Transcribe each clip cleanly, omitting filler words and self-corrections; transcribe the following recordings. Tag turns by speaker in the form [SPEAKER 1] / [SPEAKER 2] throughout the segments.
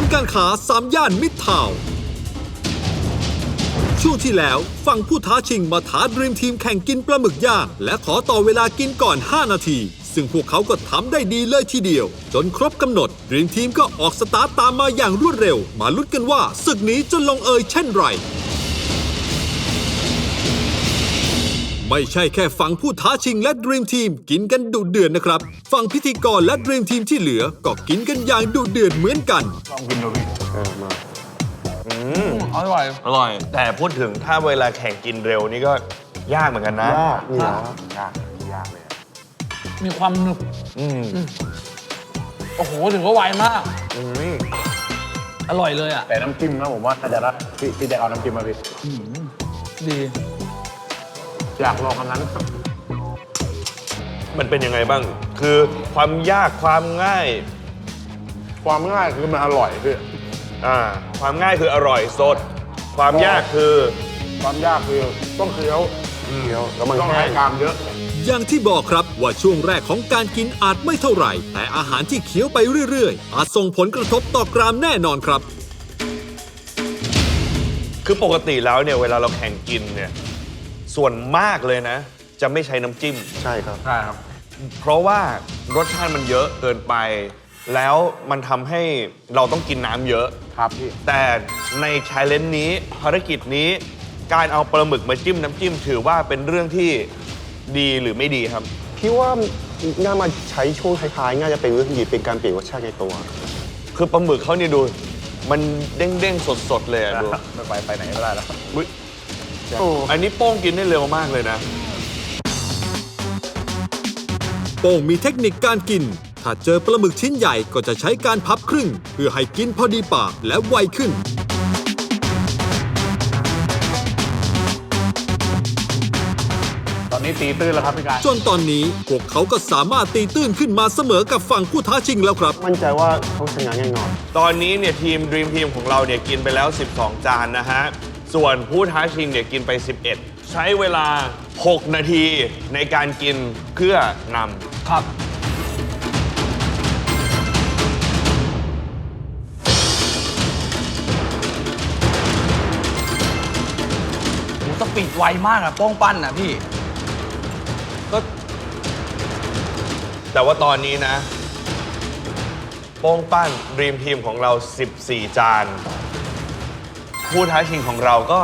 [SPEAKER 1] ย์การค้า3 ย่านมิตรทาวน์ช่วงที่แล้วฝั่งผู้ท้าชิงมาท้าดรีมทีมแข่งกินปลาหมึกย่างและขอต่อเวลากินก่อน5 นาทีซึ่งพวกเขาก็ทำได้ดีเลยทีเดียวจนครบกำหนดดรีมทีมก็ออกสตาร์ทตามมาอย่างรวดเร็วมาลุ้นกันว่าศึกนี้จะลงเอยเช่นไรไม่ใช่แค่ฝั่งผู้ท้าชิงและดรีมทีมกินกันดุเดือดนะครับฝั่งพิธีกรและดรีมทีมที่เหลือก็กินกันอย่างดุเดือดเหมือนกัน
[SPEAKER 2] ลองกินดูพี่มา
[SPEAKER 3] อร่อย
[SPEAKER 4] อร่อย แต่พูดถึงถ้าเวลาแข่งกินเร็วนี่ก็ยากเหมือนกันนะ
[SPEAKER 2] ยากนี่นะยากเลย
[SPEAKER 3] มีความหนึบโอ้โหถือว่าไวมากอร่อยเลยอ่ะ
[SPEAKER 2] แต่น้ำจิ้มนะผมว่าน่าจะรัดพี่แดกเอาน้ำจิ้มมาพี่
[SPEAKER 3] ดี
[SPEAKER 2] อยากลองอันนั้น
[SPEAKER 4] มันเป็นยังไงบ้าง คือความยากความง่าย
[SPEAKER 2] ความง่ายคือมันอร่อยพี่
[SPEAKER 4] ความง่ายคืออร่อยสด ความยากคือ
[SPEAKER 2] ความยากคือต้องเคี้ยวแล้วมันต้องใช้กรามเยอะ
[SPEAKER 1] อย่างที่บอกครับว่าช่วงแรกของการกินอาจไม่เท่าไหร่แต่อาหารที่เคี้ยวไปเรื่อยๆอาจส่งผลกระทบต่อกรามแน่นอนครับ
[SPEAKER 4] คือปกติแล้วเนี่ยเวลาเราแข่งกินเนี่ยส่วนมากเลยนะจะไม่ใช้น้ำจิ้ม
[SPEAKER 2] ใช่ครับ
[SPEAKER 4] เพราะว่ารสชาติมันเยอะเกินไป แล้วมันทำให้เราต้องกินน้ำเยอะ
[SPEAKER 2] ครับพี่
[SPEAKER 4] แต่ในชาเลนจ์นี้ภารกิจนี้การเอาปลาหมึกมาจิ้มน้ำจิ้มถือว่าเป็นเรื่องที่ดีหรือไม่ดีครับ
[SPEAKER 5] พี่ว่าน่ามาใช้ช่วงท้ายๆน่าจะเป็นเรื่องดีเป็นการเปลี่ยนรสชาติในตัว
[SPEAKER 4] คือปลาหมึกเขานี่ดูมันเด้งๆสดๆเลยอะดู
[SPEAKER 2] ไปไหนไม่ได้แล้ว
[SPEAKER 4] อันนี้โป้งกินได้เร็วมากเลยนะ
[SPEAKER 1] โป้งมีเทคนิคการกินถ้าเจอปลาหมึกชิ้นใหญ่ก็จะใช้การพับครึ่งเพื่อให้กินพอดีปากและไวขึ้น
[SPEAKER 2] ตอนนี้ตีตื้นแล้วครับพี่กาย
[SPEAKER 1] จนตอนนี้พวกเขาก็สามารถตีตื้นขึ้นมาเสมอกับฝั่งผู้ท้าชิงแล้วครับ
[SPEAKER 5] มั่นใจว่าเขาชนะแน่นอน
[SPEAKER 4] ตอนนี้เนี่ยทีม Dream Team ของเราเนี่ยกินไปแล้ว12 จานนะฮะส่วนผู้ท้าชิงเนี่ยกินไป11ใช้เวลา6 นาทีในการกินเพื่อนำ
[SPEAKER 3] ครับสปีดไวมากอะโป้งปั้นอะพี่
[SPEAKER 4] ก็แต่ว่าตอนนี้นะโป้งปั้น Dream Team ของเรา14 จานผู้ท้าชิงของเราก็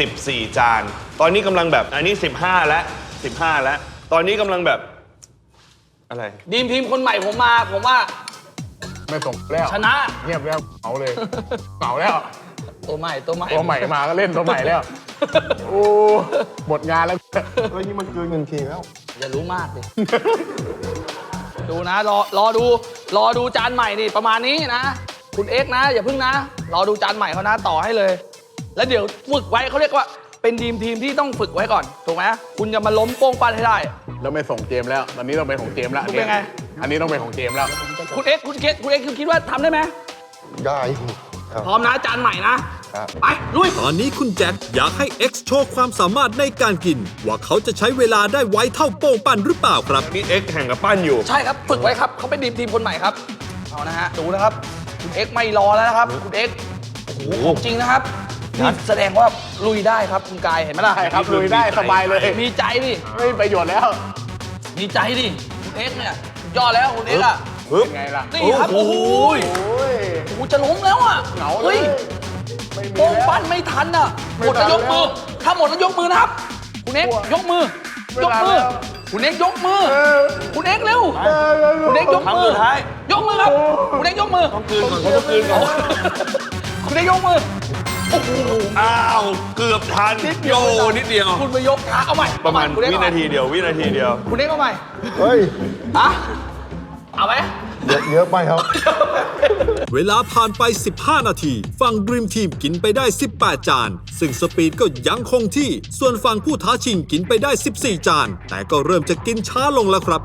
[SPEAKER 4] 14 จานตอนนี้กำลังแบบอันนี้15แล้วตอนนี้กำลังแบบอะไร
[SPEAKER 3] ดีมทีมคนใหม่ผมว่า
[SPEAKER 2] ไม่ส่งแล้ว
[SPEAKER 3] ชนะ
[SPEAKER 2] เงียบแล้วเอาเลยเก่าแล้ว
[SPEAKER 3] ตัวใหม่
[SPEAKER 2] มาก็เล่นตัวใหม่แล้วโอ้หมดงานแล้ว
[SPEAKER 5] นี่มันเกินเงินเคแล้ว
[SPEAKER 3] อย่ารู้มากดิดูนะรอดูจานใหม่นี่ประมาณนี้นะคุณเอ็กซ์นะอย่าพึ่งนะรอดูจานใหม่เขานะต่อให้เลยแล้วเดี๋ยวฝึกไว้เขาเรียกว่าเป็นทีมที่ต้องฝึกไว้ก่อนถูกไหมคุณจะมาล้มโป้งปั้นให้ได้
[SPEAKER 2] แล้วไม่ส่งเจมแล้วตอนนี้ต้องเป็นของเจมแล้ว
[SPEAKER 3] เป็นไง
[SPEAKER 2] อันนี้ต้องเป็นของเจมแล้ว
[SPEAKER 3] คุณเอ็กซ์คิดว่าทำได้ไหม
[SPEAKER 5] ได้
[SPEAKER 3] พร้อมนะจานใหม่นะไปลุย
[SPEAKER 1] ตอนนี้คุณแจ็คอยากให้ X โชว์ความสามารถในการกินว่าเขาจะใช้เวลาได้ไวเท่าโป้งปั้นหรือเปล่าครับ
[SPEAKER 4] นี่ X แข่งกับปั้นอยู่
[SPEAKER 3] ใช่ครับฝึกไว้ครับเขาเป็นทีมคนใหม่ครับเอานะฮะดูนะครับคุณ X ไม่รอแล้วนะครับคุณ X โอ้โหของจริงนะครับนี่แสดงว่าลุยได้ครับคุณกายเห็นไหมล่ะ
[SPEAKER 2] ใช่ครับลุยได้สบายเลย
[SPEAKER 3] มีใจดิ
[SPEAKER 2] ไม่มีประโยชน์แล้ว
[SPEAKER 3] มีใจดิคุณ X เนี่ยยอดแล้วคุณ X อ่ะ
[SPEAKER 2] เป็นไงล่ะ
[SPEAKER 3] นี่ครับโอ้โหจะล้มแล้วอ่ะ
[SPEAKER 2] เหงาเลย
[SPEAKER 3] โป้งปั้นไม่ทันอ่ะหมดแล้วยกมือถ้าหมดแล้วยกมือนะครับคุณเอ็กยกมือคุณเอ็กยกมือคุณเอ็กเร็วคุณเอ็กยกมือยกมือครับคุณเอ็กยกมือ
[SPEAKER 4] ต้องคืนก่อน
[SPEAKER 3] คุณเอ็กยกมือโอ้โห
[SPEAKER 4] อ้าวเกือบทันนิดเดียว
[SPEAKER 3] คุณไปยกขาเอาใหม่
[SPEAKER 4] ประมาณวินาทีเดียว
[SPEAKER 3] คุณเอ็กเอาใหม่
[SPEAKER 5] เฮ้ย
[SPEAKER 3] เอาไหม
[SPEAKER 5] เยอะไปครับ
[SPEAKER 1] เวลาผ่านไป15 นาทีฝั่ง Dream Team กินไปได้18 จานซึ่งสปีดก็ยังคงที่ส่วนฝั่งผู้ท้าชิงกินไปได้14 จานแต่ก็เริ่มจะกินช้าลงแล้วครับ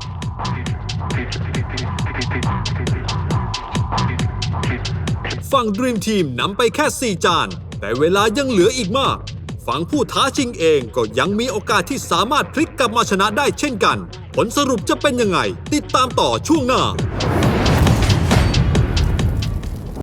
[SPEAKER 1] ฝั่ง Dream Team นำไปแค่4 จานแต่เวลายังเหลืออีกมากฝั่งผู้ท้าชิงเองก็ยังมีโอกาสที่สามารถพลิกกลับมาชนะได้เช่นกันผลสรุปจะเป็นยังไงติดตามต่อช่วงหน้า